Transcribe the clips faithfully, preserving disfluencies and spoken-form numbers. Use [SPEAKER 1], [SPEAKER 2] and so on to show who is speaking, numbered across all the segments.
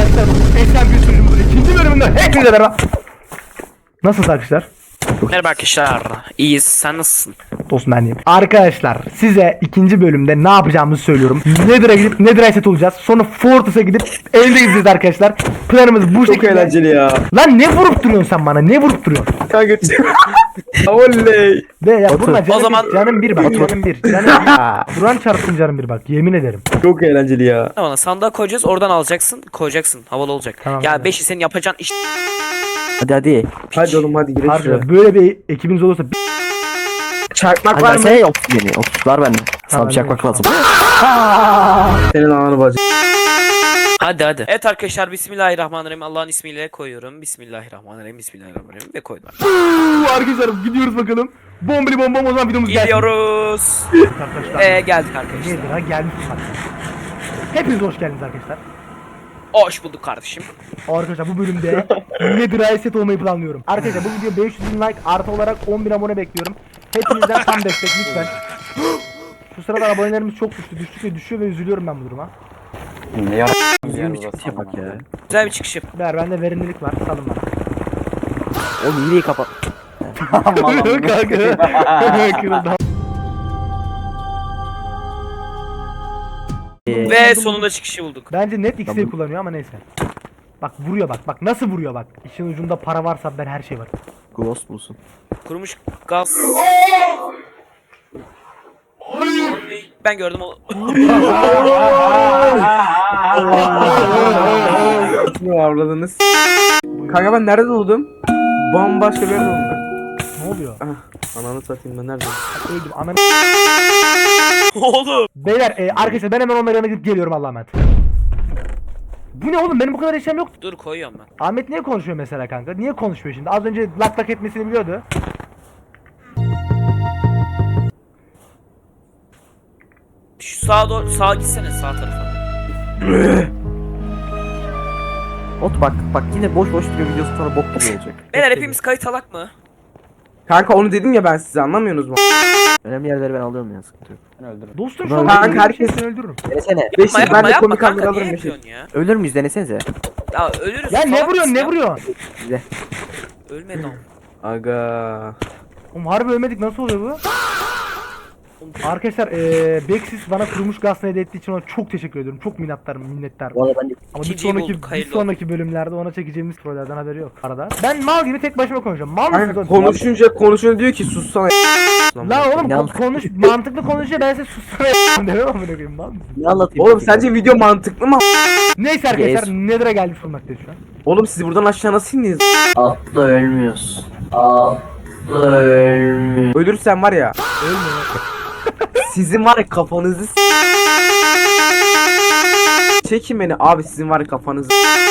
[SPEAKER 1] arkadaşlar. Esen bir sunucumuzun ikinci bölümünde hepinize merhaba. Nasılsınız arkadaşlar?
[SPEAKER 2] Merhaba arkadaşlar. İyiyiz. Sen nasılsın?
[SPEAKER 1] Dostum ben iyiyim. Arkadaşlar size ikinci bölümde ne yapacağımızı söylüyorum. Nether'a gidip Nether'a set olacağız. Sonra Fortress'a gidip elde gideceğiz arkadaşlar. Planımız bu
[SPEAKER 3] Çok
[SPEAKER 1] şekilde.
[SPEAKER 3] eğlenceli ya.
[SPEAKER 1] Lan ne vurup duruyorsun sen bana? Ne vurup duruyorsun?
[SPEAKER 3] Kanka. Oley.
[SPEAKER 1] De ya burada canım,
[SPEAKER 2] O zaman-
[SPEAKER 1] bir, canım bir bak. Canım bir. Canım bir. Duran çarpsın canım bir bak. Yemin ederim.
[SPEAKER 3] Çok eğlenceli ya.
[SPEAKER 2] Bana sandığa koyacağız. Oradan alacaksın. Koyacaksın. Havalı olacak.
[SPEAKER 1] Tamam,
[SPEAKER 2] ya
[SPEAKER 1] tamam.
[SPEAKER 2] beşi senin yapacağın iş.
[SPEAKER 4] Hadi hadi.
[SPEAKER 3] Hadi oğlum hadi girelim şuraya.
[SPEAKER 1] Harbi böyle bir ekibiniz olursa bir...
[SPEAKER 3] Çakmak
[SPEAKER 4] Hadi
[SPEAKER 3] var mı?
[SPEAKER 4] versene oksijeni. Oksijeni var bende. Sana bir çakmak lazım.
[SPEAKER 3] Senin ananı bacı.
[SPEAKER 2] Hadi hadi. Evet arkadaşlar, Bismillahirrahmanirrahim. Allah'ın ismiyle koyuyorum. Bismillahirrahmanirrahim. Bismillahirrahmanirrahim. Ve koydum.
[SPEAKER 1] Uuu, arkadaşlar gidiyoruz bakalım. Bombili bombom o zaman videomuz gelsin.
[SPEAKER 2] Gidiyoruz.
[SPEAKER 1] Arkadaşlar.
[SPEAKER 2] Eee geldik arkadaşlar.
[SPEAKER 1] Nedir ha gelmiş bak. Hepiniz hoş geldiniz arkadaşlar.
[SPEAKER 2] Hoş bulduk kardeşim.
[SPEAKER 1] Arkadaşlar bu bölümde Nether'a set olmayı planlıyorum. Arkadaşlar bu video beş yüz bin like artı olarak on bin abone bekliyorum. Hepinizden tam destek lütfen. Şu sırada abonelerimiz çok düştü. Düştükçe düşüyor ve üzülüyorum ben bu duruma.
[SPEAKER 4] Düzgün bir çıkış yapak ya.
[SPEAKER 2] Güzel bir çıkış yap.
[SPEAKER 1] Ver bende verimlilik var. Salın bana.
[SPEAKER 4] Oğlum hileyi kapat.
[SPEAKER 1] Kanka. Kırıldı.
[SPEAKER 4] Ee,
[SPEAKER 2] Ve sonunda çıkışı bulduk.
[SPEAKER 1] Bence net X'i
[SPEAKER 4] Tamam.
[SPEAKER 1] kullanıyor ama neyse. Bak vuruyor bak. Bak nasıl vuruyor bak. İşin ucunda para varsa ben her şey var.
[SPEAKER 4] Ghost bulsun.
[SPEAKER 2] Kurumuş gaz. Ben gördüm o.
[SPEAKER 3] Ne avladınız? Kanka ben nerede doğdum? Bambaşka bir yerde doğdum ben.
[SPEAKER 1] Ne oluyor?
[SPEAKER 3] Ah, ananı satayım ben nerede?
[SPEAKER 1] Öldüm. Anam.
[SPEAKER 2] Oğlum.
[SPEAKER 1] Beyler e, arkadaşlar ben hemen onların yanına gidip geliyorum Allah'a emanet. Bu ne oğlum, benim bu kadar eşyam yok.
[SPEAKER 2] Dur koyuyorum ben.
[SPEAKER 1] Ahmet niye konuşuyor mesela kanka? Niye konuşmuyor şimdi? Az önce lak lak etmesini biliyordu.
[SPEAKER 2] Şu sağa doğru, sağa gitsene, sağ tarafa.
[SPEAKER 4] Ot bak bak yine boş boş duruyor, videosu sonra bok gibi olacak.
[SPEAKER 2] Beyler hepimiz kayıt alak mı?
[SPEAKER 3] Kanka onu dedim ya ben size, anlamıyorsunuz mu?
[SPEAKER 4] Önemli yerleri ben alıyorum ya, sıkıntı yok.
[SPEAKER 1] Dostum şu an
[SPEAKER 3] Kanka,
[SPEAKER 1] kanka,
[SPEAKER 3] herkes-
[SPEAKER 1] herkesi öldürürüm.
[SPEAKER 4] Denesene.
[SPEAKER 3] Beşik
[SPEAKER 2] Yapma
[SPEAKER 3] ben
[SPEAKER 2] yapma
[SPEAKER 3] de
[SPEAKER 2] yapma
[SPEAKER 3] komik
[SPEAKER 2] kanka,
[SPEAKER 3] kamera
[SPEAKER 2] niye
[SPEAKER 3] alırım Beşik.
[SPEAKER 2] yapıyorsun ya?
[SPEAKER 4] Ölür müyüz, denesenize.
[SPEAKER 2] Ya ölürüz.
[SPEAKER 1] Ya ne
[SPEAKER 2] salak
[SPEAKER 1] vuruyorsun
[SPEAKER 2] mısın
[SPEAKER 1] ne
[SPEAKER 2] ya?
[SPEAKER 1] vuruyorsun?
[SPEAKER 4] Size.
[SPEAKER 2] Ölmedi ama.
[SPEAKER 3] Aga.
[SPEAKER 1] Oğlum harbi ölmedik, nasıl oluyor bu? Arkadaşlar eee Bexis bana kurumuş gazını hediye ettiği için ona çok teşekkür ediyorum. Çok minnettarım minnettarım.
[SPEAKER 4] Bu arada ben de
[SPEAKER 1] Ama bir
[SPEAKER 2] İkinciyi
[SPEAKER 1] sonraki,
[SPEAKER 2] bulduk,
[SPEAKER 1] bir
[SPEAKER 2] hayırlı
[SPEAKER 1] sonraki bölümlerde ona çekeceğimiz trollerden haberi yok arada. Ben mal gibi tek başıma konuşuyorum. Mal mısınız
[SPEAKER 3] Kanka
[SPEAKER 1] oğlum?
[SPEAKER 3] konuşunca konuşunca diyor ki sussana.
[SPEAKER 1] La oğlum
[SPEAKER 4] Ne
[SPEAKER 1] ko-
[SPEAKER 4] anlat-
[SPEAKER 1] konuş mantıklı konuşuyor, ben size sussana demem amına koyayım, mal mısın?
[SPEAKER 4] ne anlatayım?
[SPEAKER 3] Oğlum
[SPEAKER 4] peki?
[SPEAKER 3] sence video mantıklı mı?
[SPEAKER 1] Neyse arkadaşlar
[SPEAKER 4] Yes.
[SPEAKER 1] Nether'a geldik bulunmaktayız şu an.
[SPEAKER 3] Oğlum siz buradan aşağı nasıl indiniz?
[SPEAKER 4] Atla ölmüyorsun. Atla ölmüyorsun.
[SPEAKER 3] Ölürsen var ya.
[SPEAKER 1] Ölmüyor.
[SPEAKER 3] Sizin var ya kafanızı s- Çekin beni abi, sizin var ya kafanızı.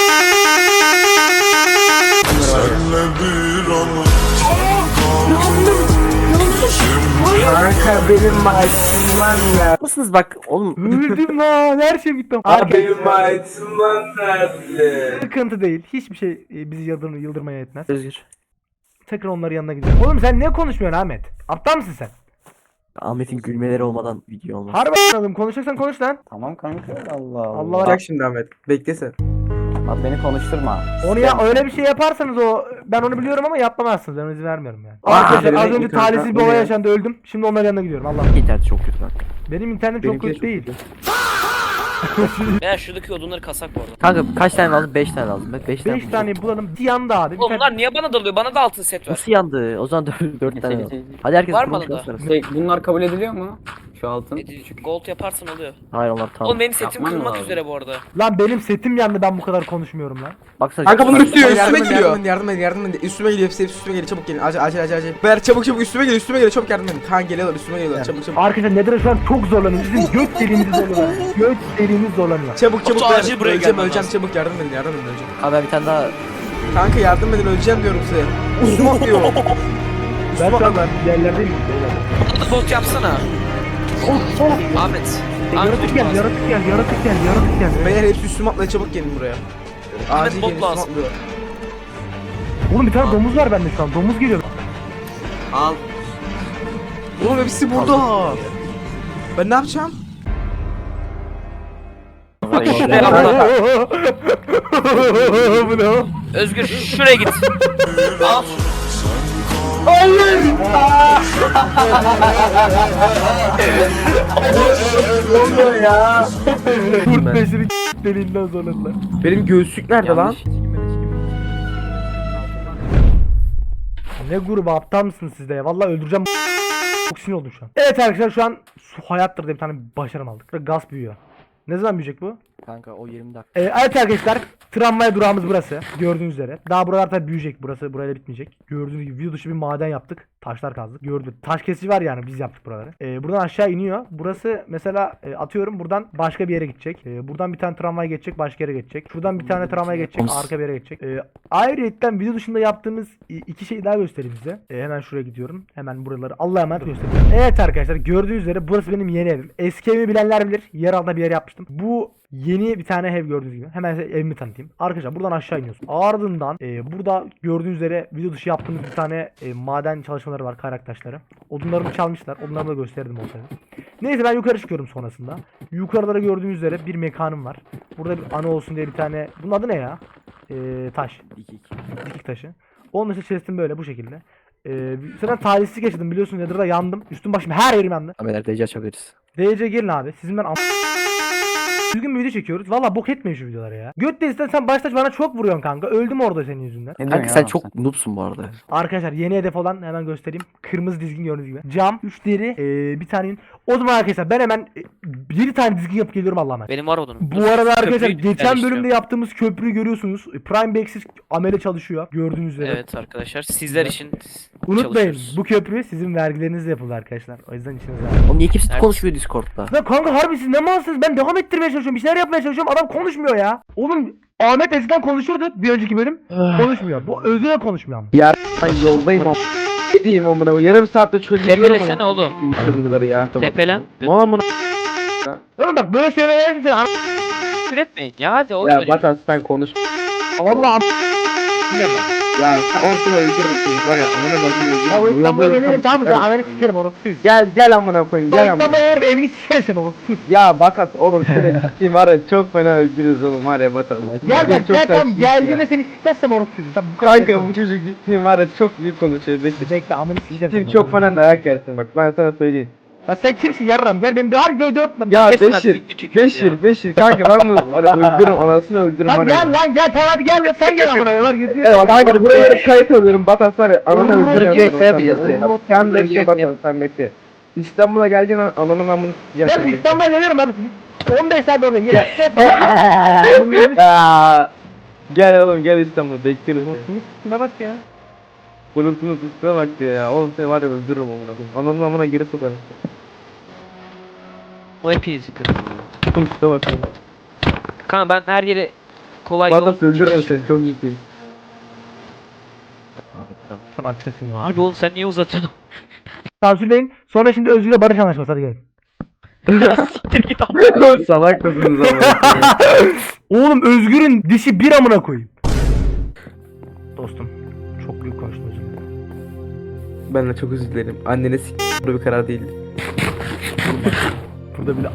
[SPEAKER 3] Kanka benim maaşım var ya.
[SPEAKER 4] Mısınız bak oğlum.
[SPEAKER 1] Öldüm lan, her şey bitti.
[SPEAKER 3] Abi
[SPEAKER 1] Arkadaşlar
[SPEAKER 3] benim maaşım var nerede?
[SPEAKER 1] sıkıntı değil. Hiçbir şey e, bizi yıldırma, yıldırmaya yetmez.
[SPEAKER 4] Özgür.
[SPEAKER 1] Tekrar onların yanına gidelim. Oğlum sen ne konuşmuyorsun Ahmet? Aptal mısın sen?
[SPEAKER 4] Ahmet'in gülmeleri olmadan video olmaz.
[SPEAKER 1] Harbi a**ladım. Konuşacaksan konuş lan.
[SPEAKER 5] Tamam kanka, Allah Allah.
[SPEAKER 1] Allah var.
[SPEAKER 3] Bak şimdi Ahmet, beklesen.
[SPEAKER 5] Bak beni konuşturma.
[SPEAKER 1] Onu ya öyle bir şey yaparsanız o, ben onu biliyorum ama yapamazsınız. Ben izin vermiyorum yani.
[SPEAKER 3] Aa,
[SPEAKER 1] Arkadaşlar az
[SPEAKER 3] benim
[SPEAKER 1] önce
[SPEAKER 3] internet
[SPEAKER 1] talihsiz bir
[SPEAKER 3] ne
[SPEAKER 1] olay
[SPEAKER 3] ya?
[SPEAKER 1] yaşandı, öldüm. Şimdi onların yanına gidiyorum. Allah.
[SPEAKER 4] İnternet çok kötü bak.
[SPEAKER 1] Benim internet çok
[SPEAKER 3] Benimki de
[SPEAKER 1] kötü değil.
[SPEAKER 2] Beyler şuradaki odunları kasak bu arada.
[SPEAKER 4] Kanka kaç tane lazım? beş tane lazım. beş tane.
[SPEAKER 1] beş tane bulalım. Bir yanda abi. Bir
[SPEAKER 2] Oğlum
[SPEAKER 1] tane...
[SPEAKER 2] bunlar niye bana dalıyor? Bana da altın set ver.
[SPEAKER 4] Nasıl yandı? O zaman dört tane lazım. Hadi herkes
[SPEAKER 2] Var mı
[SPEAKER 4] kurumuş
[SPEAKER 2] arada?
[SPEAKER 4] göstersin.
[SPEAKER 5] Şey, bunlar kabul ediliyor mu? Şu altın.
[SPEAKER 2] Edici- Gold yaparsan oluyor.
[SPEAKER 4] Hayır onlar tamam.
[SPEAKER 2] Oğlum benim setim
[SPEAKER 5] Yapman
[SPEAKER 2] kırılmak
[SPEAKER 5] lazım.
[SPEAKER 2] üzere bu arada.
[SPEAKER 1] Lan benim setim yandı, ben bu kadar konuşmuyorum lan.
[SPEAKER 4] Baksana.
[SPEAKER 3] Kanka bunun üstüne üstüme Yardım edin, geliyor. yardım edin, yardım edin, yardım edin. Üstüme geliyor, hepsi hepsi üstüme geliyor. Çabuk gelin. Acil acil acil acil. Beyler çabuk çabuk üstüme geliyor, üstüme geliyor. Çabuk yardım edin. Kan geliyorlar, üstüme geliyorlar. Çabuk çabuk.
[SPEAKER 1] Arkadaşlar Nether'a şu an çok zorlanıyor. Bizim göt deliğimiz zorlanıyor. Göt deliğimiz zorlanıyor.
[SPEAKER 3] Çabuk çabuk.
[SPEAKER 2] Batu,
[SPEAKER 3] beyler.
[SPEAKER 2] acil buraya
[SPEAKER 3] Öleceğim
[SPEAKER 2] gelmen
[SPEAKER 3] öleceğim,
[SPEAKER 2] lazım.
[SPEAKER 3] çabuk yardım edin, yardım edin öleceğim.
[SPEAKER 4] Abi ben bir tane daha.
[SPEAKER 3] Kanka yardım edin, öleceğim diyorum size. Üstüme atlıyor.
[SPEAKER 1] Ben şu an yerlerdeyim.
[SPEAKER 2] Bana da bot yapsana.
[SPEAKER 1] Oh, oh.
[SPEAKER 2] Ahmet.
[SPEAKER 1] Yaratık
[SPEAKER 2] Ahmet
[SPEAKER 1] gel,
[SPEAKER 2] lazım.
[SPEAKER 1] yaratık gel, yaratık gel, yaratık gel.
[SPEAKER 3] Beyler hepsi üstüme atlıyor, çabuk gelin buraya. Acil
[SPEAKER 2] bot
[SPEAKER 3] gelin, üstüme
[SPEAKER 2] lazım.
[SPEAKER 3] atlıyor.
[SPEAKER 1] Oğlum bir tane domuz var bende şu an. Domuz geliyor.
[SPEAKER 5] Al.
[SPEAKER 3] Oğlum hepsi burada. Ben ne yapacağım?
[SPEAKER 2] Bak şuraya atla.
[SPEAKER 1] Bu ne o?
[SPEAKER 2] Özgür şuraya git. Al.
[SPEAKER 1] Kurt peşini deliğinden zorladılar.
[SPEAKER 3] Benim göğüslük nerede lan?
[SPEAKER 1] Ne grubu aptal mısınız siz de ya? Vallahi öldüreceğim. Çok sinir oldum şu an. Evet arkadaşlar şu an su hayattır diye bir tane başarım aldık. Ve gaz büyüyor. Ne zaman büyüyecek bu?
[SPEAKER 4] Kanka o yirmi dakika.
[SPEAKER 1] Ee, evet arkadaşlar tramvay durağımız burası. Gördüğünüz üzere. Daha buralar tabi büyüyecek. Burası burayla bitmeyecek. Gördüğünüz gibi video dışı bir maden yaptık. Taşlar kazdık. Gördük. Taş kesici var yani biz yaptık buraları. Ee, buradan aşağı iniyor. Burası mesela e, atıyorum buradan başka bir yere gidecek. Ee, buradan bir tane tramvay geçecek. Başka yere geçecek. Şuradan bir tane tramvay geçecek. Arka bir yere geçecek. Ee, ayrıyetten video dışında yaptığımız i- iki şeyi daha göstereyim size. Ee, hemen şuraya gidiyorum. Hemen buraları Allah'a emanet göstereyim. Evet arkadaşlar gördüğünüz üzere burası benim yeni evim. Eski evimi bilenler bilir. Yer altında bir yer yapmıştım. Bu yeni bir tane ev gördüğünüz gibi. Hemen size evimi tanıtayım. Arkadaşlar buradan aşağı iniyorsun. Ardından e, burada gördüğünüz üzere video dışı yaptığımız bir tane e, maden çalışmaları var, kaynak taşları. Odunlarımı çalmışlar. Odunlarımı da gösterdim olsaydı. Neyse ben yukarı çıkıyorum sonrasında. Yukarılara gördüğünüz üzere bir mekanım var. Burada bir anı olsun diye bir tane. Bunun adı ne ya? E, taş.
[SPEAKER 4] Dikik.
[SPEAKER 1] Dikik taşı. Onun için chest'im böyle bu şekilde. E, sıra talihsizlik yaşadım biliyorsunuz. Nether'da yandım. Üstüm başım her yerim yandı.
[SPEAKER 4] Abiler D C açabiliriz.
[SPEAKER 1] D C gelin abi. Sizin ben am- Düzgün bir video çekiyoruz. Valla bok etmeyin şu videoları ya. Göt değilsen sen başta bana çok vuruyorsun kanka. Öldüm orada senin yüzünden.
[SPEAKER 5] Ne diyorsun
[SPEAKER 4] Kanka
[SPEAKER 5] ya
[SPEAKER 4] sen
[SPEAKER 5] lan
[SPEAKER 4] çok noobsun bu arada.
[SPEAKER 1] Arkadaşlar yeni hedef olan hemen göstereyim. Kırmızı dizgin gördüğünüz gibi. Cam, üç deri, ee, bir tane yün. O zaman arkadaşlar ben hemen e, yedi tane dizgin yapıp geliyorum Allah'a emanet.
[SPEAKER 2] Benim var odunum.
[SPEAKER 1] Bu arada arkadaşlar
[SPEAKER 2] Köprüyü
[SPEAKER 1] geçen
[SPEAKER 2] yerleştiriyorum.
[SPEAKER 1] bölümde yaptığımız köprüyü görüyorsunuz. Prime Back'siz amele çalışıyor. Gördüğünüz üzere.
[SPEAKER 2] Evet arkadaşlar sizler için
[SPEAKER 1] Unutmayın
[SPEAKER 2] çalışıyoruz.
[SPEAKER 1] bu köprü sizin vergilerinizle yapıldı arkadaşlar. O yüzden içinize alın.
[SPEAKER 4] Oğlum niye kimse
[SPEAKER 2] Evet.
[SPEAKER 4] konuşmuyor Discord'da?
[SPEAKER 1] Ya kanka harbi siz ne malsınız? Ben devam ettirmeye çalışıyorum. Bir şeyler yapmaya çalışıyorum. Adam konuşmuyor ya. Oğlum Ahmet eskiden konuşurdu bir önceki bölüm. Konuşmuyor. Bu Özgür de konuşmuyor ama.
[SPEAKER 3] Ya ben yoldayım ama. Ne diyeyim amına? Yarım saatte çözüyorum.
[SPEAKER 2] Tepelesene oğlum.
[SPEAKER 3] Çözümleri ya. Tamam.
[SPEAKER 2] Tepelen.
[SPEAKER 3] Mal amına.
[SPEAKER 1] Oğlum bak böyle söylemeye sen
[SPEAKER 2] Küfür etmeyin ya hadi o
[SPEAKER 3] Ya Batan sen konuş.
[SPEAKER 1] Allah
[SPEAKER 3] Ya sen onu öldürürsün. Var ya amına
[SPEAKER 1] Ya o
[SPEAKER 3] bakayım.
[SPEAKER 1] İstanbul'a gelirim tamam mı? Amerika sikerim onu.
[SPEAKER 3] Gel gel amına koyayım.
[SPEAKER 1] O
[SPEAKER 3] Gel amına.
[SPEAKER 1] İstanbul'a gelirim evini sikerim onu.
[SPEAKER 3] Ya Bakat oğlum seni sikeyim var ya çok fena öldürürüz oğlum var ya Batat.
[SPEAKER 1] Gel bak
[SPEAKER 3] Çok
[SPEAKER 1] gel
[SPEAKER 3] ters
[SPEAKER 1] tam
[SPEAKER 3] bir
[SPEAKER 1] geldiğinde seni sikmezsem onu sikeyim. Tamam bu kadar.
[SPEAKER 3] Kanka bu çocuk gittiğim var ya çok büyük konuşuyor. Bekle.
[SPEAKER 1] Bekle amını sikeceğim.
[SPEAKER 3] Şimdi çok fena dayak yersin bak ben sana söyleyeyim.
[SPEAKER 1] Ya sen kimsin yarram gel benim bir har göğde öpme.
[SPEAKER 3] Ya
[SPEAKER 2] Kesin
[SPEAKER 3] Beşir,
[SPEAKER 2] artık, küçük ya.
[SPEAKER 3] Beşir, Beşir kanka ben bunu var ya öldürürüm anasını öldürürüm var
[SPEAKER 1] Lan
[SPEAKER 3] ya.
[SPEAKER 1] gel lan gel tamam hadi gel ya sen gel amına var gidiyor.
[SPEAKER 3] Evet kanka buraya kayıt alıyorum Batat var ya ananı
[SPEAKER 4] Oğlum,
[SPEAKER 3] öldürürüm.
[SPEAKER 4] Türkiye kaya yapacağız ya.
[SPEAKER 3] Sen bekle Batat sen bekle. İstanbul'a geldiğin an ananı ben bunu
[SPEAKER 1] Ben
[SPEAKER 3] sikeceğim.
[SPEAKER 1] İstanbul'a geliyorum hadi. on beş saat oradayım. Gel.
[SPEAKER 3] Ya, Gel oğlum gel İstanbul'a bekleriz.
[SPEAKER 1] Ne bak ya.
[SPEAKER 3] Bunun bunun üstüne bak diyor ya. Oğlum seni var ya öldürürüm amına. Ananın amına geri sokarım.
[SPEAKER 2] O hepinizi kırın.
[SPEAKER 3] Bunun üstüne bak.
[SPEAKER 2] Kanka ben her yere kolay yol.
[SPEAKER 3] Batat öldürürüm seni çok ciddiyim.
[SPEAKER 2] Harbi oğlum sen niye uzatıyorsun?
[SPEAKER 1] Sansürleyin. Sonra şimdi Özgür'le barış anlaşması hadi gelin.
[SPEAKER 2] Siktir git abi.
[SPEAKER 3] Salak mısınız ama?
[SPEAKER 1] Oğlum Özgür'ün dişi bir amına koyayım. Dostum çok büyük konuştun özür dilerim.
[SPEAKER 3] Ben de çok özür dilerim. Annene s*** bu bir karar değildi.
[SPEAKER 1] Burada bile.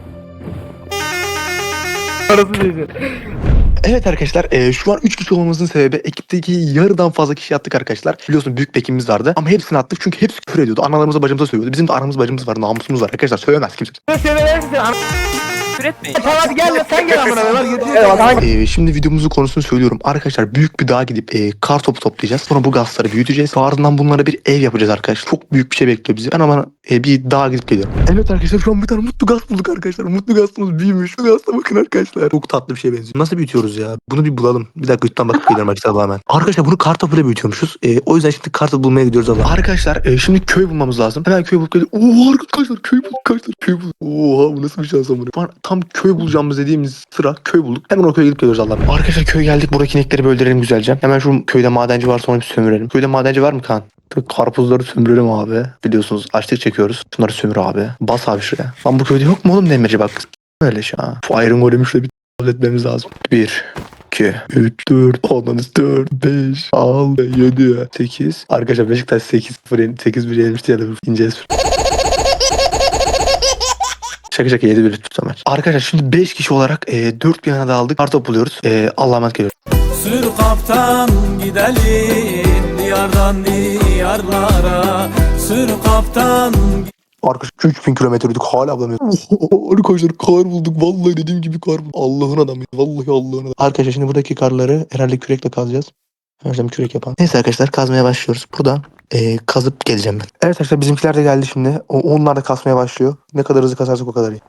[SPEAKER 1] Arası değilse.
[SPEAKER 6] Evet arkadaşlar e, şu an üç kişi olmamızın sebebi ekipteki yarıdan fazla kişi attık arkadaşlar. Biliyorsun büyük bekimiz vardı ama hepsini attık çünkü hepsi küfür ediyordu. Analarımıza bacımıza söylüyordu. Bizim de aramız bacımız var, namusumuz var arkadaşlar, söylemez kimse.
[SPEAKER 2] Küfür etmeyin.
[SPEAKER 1] Tamam hadi gel ya sen gel amına var gidiyor.
[SPEAKER 6] E, şimdi videomuzun konusunu söylüyorum. Arkadaşlar büyük bir dağa gidip e, kar topu toplayacağız. Sonra bu gazları büyüteceğiz. Ardından bunlara bir ev yapacağız arkadaşlar. Çok büyük bir şey bekliyor bizi. Ben ama e, bir dağa gidip geliyorum. Evet arkadaşlar şu an bir tane mutlu gaz bulduk arkadaşlar. Mutlu gazımız büyümüş. Şu gazla bakın arkadaşlar. Çok tatlı bir şeye benziyor. Nasıl büyütüyoruz ya? Bunu bir bulalım. Bir dakika üstten bakıp geliyorum arkadaşlar hemen. Arkadaşlar bunu kar topuyla büyütüyormuşuz. E, o yüzden şimdi kar topu bulmaya gidiyoruz Allah. Arkadaşlar e, şimdi köy bulmamız lazım. Hemen köy bulup geliyoruz. Oo arkadaşlar köy bulduk arkadaşlar. Köy bulduk. Oha bu nasıl bir şans amına. Şu an tam köy bulacağımız dediğimiz sıra köy bulduk. Hemen o köye gidip geliyoruz Allah. Arkadaşlar köy geldik. Buradaki inekleri bir öldürelim güzelce. Hemen şu köyde madenci varsa onu bir sömürelim. Köyde madenci var mı Kaan? Karpuzları sömürelim abi. Biliyorsunuz açlık çekiyoruz. Şunları sömür abi. Bas abi şuraya. Lan bu köyde yok mu oğlum demirci bak. Öyle şey ha. Şu Iron Golem'i şöyle bir halletmemiz lazım. bir, iki, üç, dört, on, dört, beş, altı, yedi, sekiz. Arkadaşlar Beşiktaş sekiz sıfır sekiz bir yenmişti ya da ineceğiz. Şaka şaka yedi bir tutamer. Arkadaşlar şimdi beş kişi olarak e, dört bir yana dağıldık. Kartop buluyoruz. E, Allah'a emanet geliyoruz.
[SPEAKER 7] Sür kaptan gidelim diyardan diyarlara. Sür kaptan.
[SPEAKER 6] Arkadaşlar üç bin kilometredik hala bulamıyoruz. Arkadaşlar kar bulduk. Vallahi dediğim gibi kar bulduk. Allah'ın adamı. Vallahi Allah'ın adamı. Arkadaşlar şimdi buradaki karları herhalde kürekle kazacağız. Önce kürek yapalım. Neyse arkadaşlar kazmaya başlıyoruz. Burada e, kazıp geleceğim ben. Evet arkadaşlar bizimkiler de geldi şimdi. O, onlar da kasmaya başlıyor. Ne kadar hızlı kasarsak o kadar iyi.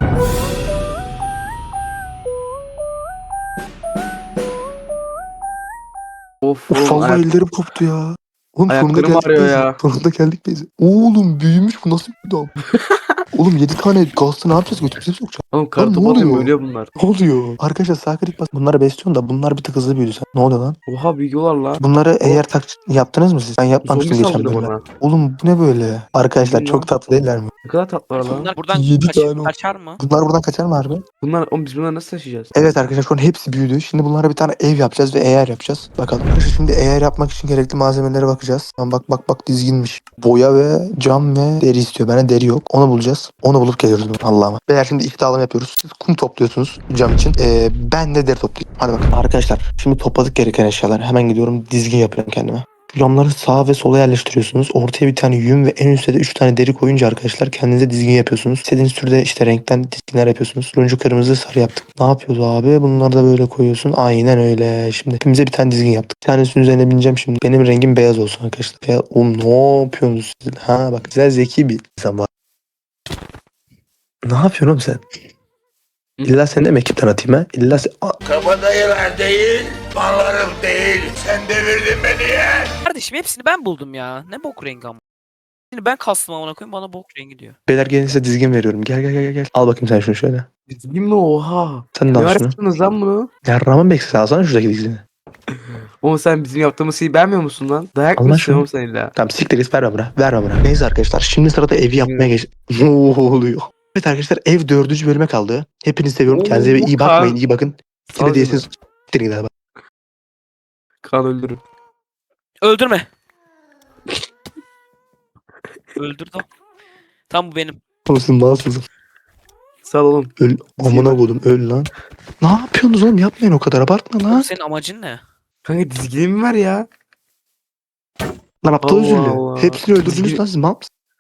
[SPEAKER 3] Of
[SPEAKER 6] Of
[SPEAKER 3] oğlum.
[SPEAKER 6] vallahi
[SPEAKER 3] ayak-
[SPEAKER 6] ellerim koptu ya. Oğlum sonunda
[SPEAKER 3] Ayaklarım
[SPEAKER 6] geldik
[SPEAKER 3] ağrıyor
[SPEAKER 6] beyze.
[SPEAKER 3] ya.
[SPEAKER 6] Sonunda geldik beyze. Oğlum büyümüş bu nasıl bir dam? Oğlum yedi tane gazlı ne yapacağız götümüze mi sokacağız?
[SPEAKER 3] Oğlum
[SPEAKER 6] Lan
[SPEAKER 3] kartopu
[SPEAKER 6] ne
[SPEAKER 3] atıyorum
[SPEAKER 6] oluyor?
[SPEAKER 3] ölüyor bunlar.
[SPEAKER 6] Ne oluyor? Arkadaşlar sağ klik bas. Bunları besliyorsun da bunlar bir tık hızlı büyüdü sen. Ne oluyor lan?
[SPEAKER 3] Oha büyüyorlar la.
[SPEAKER 6] Bunları eğer tak yaptınız mı siz? Ben
[SPEAKER 3] Zombi
[SPEAKER 6] yapmamıştım geçen
[SPEAKER 3] saldırıyor
[SPEAKER 6] bölümde.
[SPEAKER 3] bana.
[SPEAKER 6] Oğlum bu ne böyle? Arkadaşlar
[SPEAKER 3] Bilmiyorum
[SPEAKER 6] çok
[SPEAKER 3] lan.
[SPEAKER 6] tatlı değiller mi?
[SPEAKER 3] Ne kadar tatlılar lan.
[SPEAKER 2] Bunlar buradan
[SPEAKER 6] Yedi
[SPEAKER 2] kaç-
[SPEAKER 6] tane oldu.
[SPEAKER 2] kaçar mı?
[SPEAKER 6] Bunlar buradan kaçar mı harbi?
[SPEAKER 3] Bunlar, oğlum biz bunları nasıl taşıyacağız?
[SPEAKER 6] Evet arkadaşlar şu an hepsi büyüdü. Şimdi bunlara bir tane ev yapacağız ve eğer yapacağız. Bakalım. Arkadaşlar şimdi eğer yapmak için gerekli malzemelere bakacağız. Tamam, bak bak bak dizginmiş. Boya ve cam ve deri istiyor. Bende deri yok. Onu bulacağız. Onu bulup geliyoruz Allah'ıma. Beyler şimdi ihdalım yapıyoruz. Siz kum topluyorsunuz cam için. Ee, ben de deri toplayayım. Hadi bakalım. Arkadaşlar şimdi topladık gereken eşyalar. Hemen gidiyorum dizgin yapıyorum kendime. Camları sağa ve sola yerleştiriyorsunuz. Ortaya bir tane yün ve en üstte de üç tane deri koyunca arkadaşlar kendinize dizgin yapıyorsunuz. İstediğiniz türde işte renkten dizginler yapıyorsunuz. Turuncu, kırmızı, sarı yaptık. Ne yapıyoruz abi? Bunları da böyle koyuyorsun. Aynen öyle. Şimdi hepimize bir tane dizgin yaptık. Bir tanesinin üzerine bineceğim şimdi. Benim rengim beyaz olsun arkadaşlar. Beyaz. Oğlum ne yapıyorsunuz siz? Ha bak güzel zeki bir insan var. Ne yapıyorsun oğlum sen? İlla sen de mi ekipten atayım ha? İlla sen... Aa,
[SPEAKER 8] Kabadayılar değil, mallarım değil. Sen devirdin beni ya.
[SPEAKER 2] Kardeşim hepsini ben buldum ya. Ne bok rengi ama. Şimdi ben kastım amına koyayım bana bok rengi diyor.
[SPEAKER 6] beyler gelin size dizgin veriyorum. Gel gel gel gel. Al bakayım sen şunu şöyle.
[SPEAKER 3] Dizgin mi oha?
[SPEAKER 6] Sen de
[SPEAKER 3] Ne
[SPEAKER 6] al
[SPEAKER 3] var
[SPEAKER 6] şunu.
[SPEAKER 3] yaptınız lan bunu?
[SPEAKER 6] Ya Raman Bekse alsana şuradaki dizgini.
[SPEAKER 3] Oğlum sen bizim yaptığımız şeyi beğenmiyor musun lan? Dayak
[SPEAKER 6] Allah
[SPEAKER 3] mı
[SPEAKER 6] aşkına.
[SPEAKER 3] istiyorsun sen illa?
[SPEAKER 6] Tamam siktir git verme bana. Verme bana. Neyse arkadaşlar şimdi sırada evi yapmaya geç. Ne oluyor? Evet arkadaşlar ev dördüncü bölüme kaldı. Hepinizi seviyorum.
[SPEAKER 3] Oo,
[SPEAKER 6] Kendinize iyi
[SPEAKER 3] Kaan.
[SPEAKER 6] bakmayın. İyi bakın.
[SPEAKER 3] Sağ ol
[SPEAKER 6] Seni değilsiniz. Siktirin gidin hadi.
[SPEAKER 3] Kan öldürün.
[SPEAKER 2] Öldürme. Öldürdü. Tam bu benim.
[SPEAKER 6] Olsun malsızım.
[SPEAKER 3] Sağ ol oğlum.
[SPEAKER 6] Öl. Amına koydum öl lan. Ne yapıyorsunuz oğlum? Yapmayın o kadar abartma
[SPEAKER 2] Oğlum
[SPEAKER 6] lan.
[SPEAKER 2] senin amacın ne?
[SPEAKER 3] Kanka dizginin mi var ya?
[SPEAKER 6] Lan aptal
[SPEAKER 3] Allah
[SPEAKER 6] özürlü.
[SPEAKER 3] Allah.
[SPEAKER 6] Hepsini öldürdünüz
[SPEAKER 3] Dizgin-
[SPEAKER 6] lan siz mal mısınız?